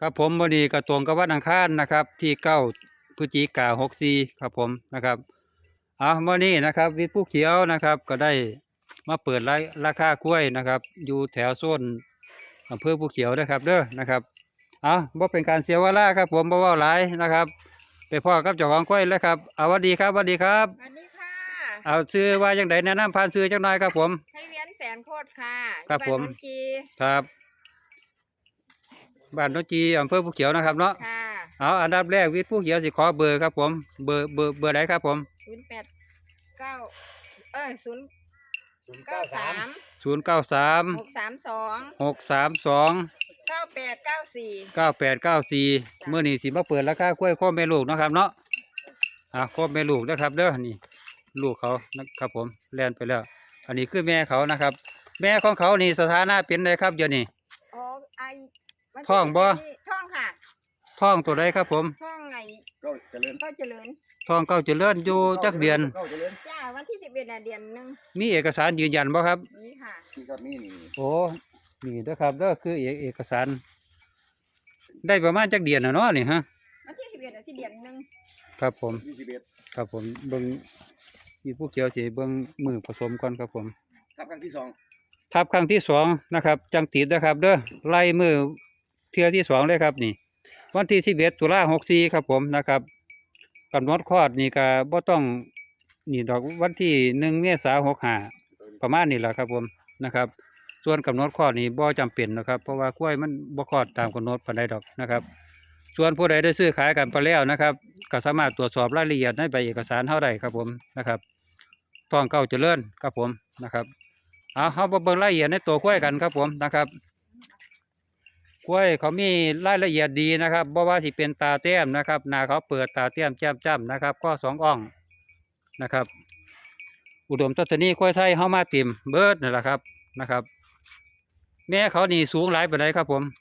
ครับผมวันนี้ก็ตรงกับวันอังคารนะครับที่9 พฤศจิกายน 64ครับผมนะครับวันนี้นะครับวิทย์ผู้เขียวนะครับก็ได้มาเปิดราคากล้วยนะครับอยู่แถวโซนอำเภอผู้เขียวนะครับเด้อนะครับบ่เป็นการเสียเวลาครับผมบ่เว้าหลายนะครับไปพ่อกับเจ้าของกล้วยแล้วครับสวัสดีครับสวัสดีครับสวัสดีค่ะชื่อว่าจังไดแนะนำผ่านชื่อจังหน่อยครับผมให้เวียนแสนโคตรค่ะครับผมอยู่านนนจีครับบ้านโนนจีอำเภอผู้เขียวนะครับเนาะค่ะอันดับแรกวิทย์ผู้เขียวสิขอเบอร์ครับผมเบอร์ไหนครับผม 089ศูนย์เก้าสาม 093 632 632 9894 มื้อนี้สิมาเปิดราคากล้วยโคมแม่ลูกเนาะครับเนาะโคมแม่ลูกนะครับเด้อนี่ลูกเขานะครับผมแล่นไปแล้ว อันนี้คือแม่เขานะครับ แม่ของเขานี่สถานะเป็นไงครับเดี๋ยวนี้อ๋อไอวันที่ท้องบ่ท้องค่ะท้องตัวใดครับผมท้องไงก็เจริญก็เจริญท้องเก้าเจริญอยู่จักเดือนก็เจริญจ้าวันที่11น่ะเดือนหนึงมีเอกสารยืนยันบ่ครับนี่ค่ะที่ก็มีนี่โอ้นี่เด้อครับเด้อคือเอกสาร ได้ประมาณจักเดือนน่ะเนาะนี่ฮะวันที่11น่ะที่เดือนหนึงครับผม 21 ครับผมเบิ่งมีผู้เขียวสิเบิ่งมือผสมก่อนครับผมครับครั้งที่สองทับครั้งที่สองนะครับจังติดนะครับเด้อไล่มือเทื่อที่สองเลยครับนี่ วันที่11 ตุลา 64ครับผมนะครับกำหนดคลอดนี่ก็บ่ต้องนี่ดอกวันที่1 เมษายน 65ประมาณนี้แหละครับผมนะครับ ส่วนกำหนดคลอดนี่บ่จำเป็นนะครับเพราะว่ากล้วยมันบ่คลอดตามกำหนดปานใดดอกนะครับ ส่วนผู้ใดได้ซื้อขายกันไปแล้วนะครับก็สามารถตรวจสอบรายละเอียดในใบเอกสารเฮาได้ครับผมนะครับท้องเก้าเจริญครับผมนะครับเฮามาเบิ่งรายละเอียดในตัวกล้วยกันครับผมนะครับกล้วยเขามีรายละเอียดดีนะครับบ่ว่าสิเป็นตาแต้มนะครับหน้าเขาเปิดตาแต้มแจ่มจ้ำนะครับข้อ2 อ่องนะครับ อุดมทัศนีกล้วยไทยเฮามาเต็มเบิดนั่นแหละครับนะครับ แม่เขานี่สูงหลายปานใดครับผม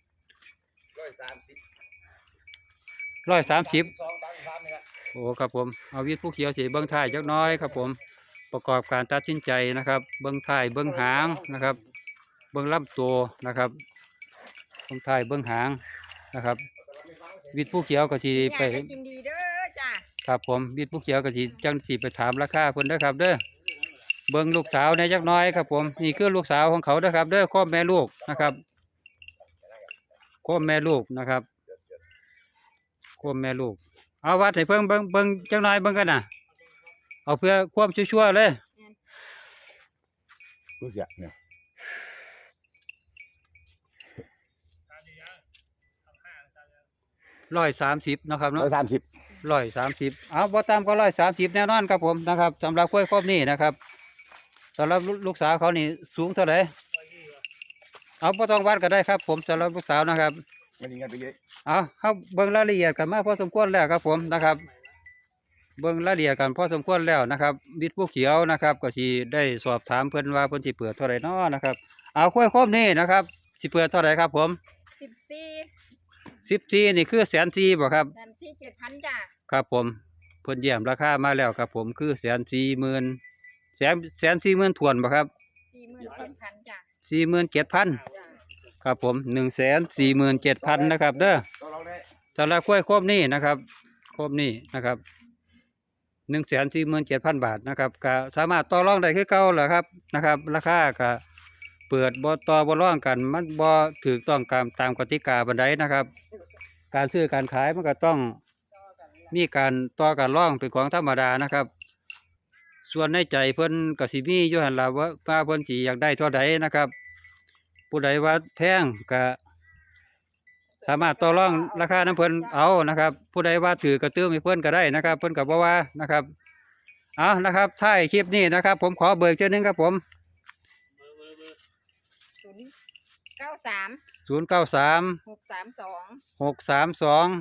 130 130 2 3นี่แหละโอ้ครับผมเอาวิทย์ผู้เขียวสีเบิ้งท้ายจักหน้อยครับผมประกอบการตัดสินใจนะครับเบิ้งท้ายเบิ้งหางนะครับเบิ้งลำตัวนะครับเบิ้งท้ายเบิ้งหางนะครับวิทย์ผู้เขียวก็สีไปอยากกินดีเด้อจ้าครับผมวิทย์ผู้เขียวก็สีจังสีไปถามราคาเพิ่นเด้อครับเด้อเบิ้งลูกสาวในจักหน้อยครับผมนี่คือลูกสาวของเขาเด้อครับเด้อข้อแม่ลูกนะครับข้อแม่ลูกนะครับข้อแม่ลูกเอาวัดให้เพิ่งเบิ่งจังหน่อยเบิ่งกันนะเอาเพื่อความชัวร์ๆเลยรู้สึกเนี่ย 130นะครับเนาะ 130 130เอาบ่ตามก็130แน่นอนครับผมนะครับสำหรับกล้วยครอบนี้นะครับสำหรับลูกสาวเขานี่สูงเท่าไหร่เอาบ่ต้องวัดก็ได้ครับผมสำหรับลูกสาวนะครับมันยังไงไปเยอะเขาเบิ่งรายละเอียดกันมาพอสมควรแล้วครับผมนะครับ เบิ่งรายละเอียดกันพอสมควรแล้วนะครับวิทย์ผู้เขียวนะครับก็สิได้สอบถามเพิ่นว่าเพิ่นสิเปิดเท่าไหร่น้อนะครับเอากล้วยครบนี้นะครับสิเปิดเท่าไหร่ครับผม14นี่คือ140,000บ่ครับ 7,000จ้าครับผมเพิ่นแย้มราคามาแล้วครับผมคือ140,000ถวนบ่ครับ 47,000จ้า 47,000 จ้าครับผม147,000นะครับเด้อเราได้สำหรับกล้วยครบนี้นะครับครบนี้นะครับ147,000 บาทนะครับก็สามารถต่อรองได้คือเก่าแหละครับนะครับ ราคาก็เปิดบ่ต่อบ่รองกันมันบ่ถูกต้องตามกติกาบันไดนะครับ การซื้อการขายมันก็ต้องมีการต่อการรองเป็นของธรรมดานะครับ ส่วนในใจเพิ่นก็สิมีอยู่หั่นล่ะว่าเพิ่นสิอยากได้เท่าใดนะครับ ผู้ใดว่าแพงก็สามารถต่อรองราคาน้ำเพิ่นเอานะครับ ผู้ใดว่าถือกระตื้อให้เพิ่นก็ได้นะครับ เพิ่นก็บ่ว่านะครับเอานะครับท้ายคลิปนี้นะครับ ผมขอเบิกเจ้านึงครับผม 093 093 632 632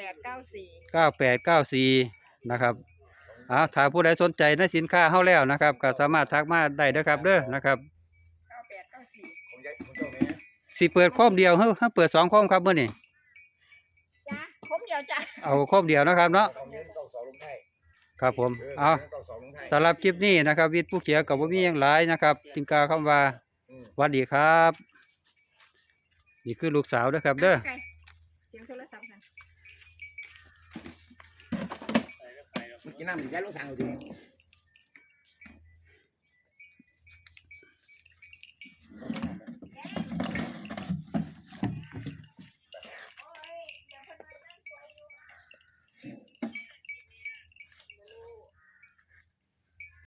9894 นะครับถ้าผู้ใดสนใจในสินค้าเฮาแล้วนะครับก็สามารถทักมาได้เด้อครับเด้อนะครับ 9894 ของยายของเจ้าแม่สิเปิดโคมเดียวเฮ้ยเปิด2 โคมครับมื้อนี้จ้าผมเดียวจ้าเอาโคมเดียวนะครับเนาะของยายต้องสองลงไทยครับผมต้องสองลงไทยสำหรับคลิปนี้นะครับวิทย์ผู้เขียวกับบ่มีหยังหลายนะครับจึงกล่าวคำว่าสวัสดีครับนี่คือลูกสาวเด้อครับเด้อไก่กินน้ำดิย้ายลูกสั่งเอาดิ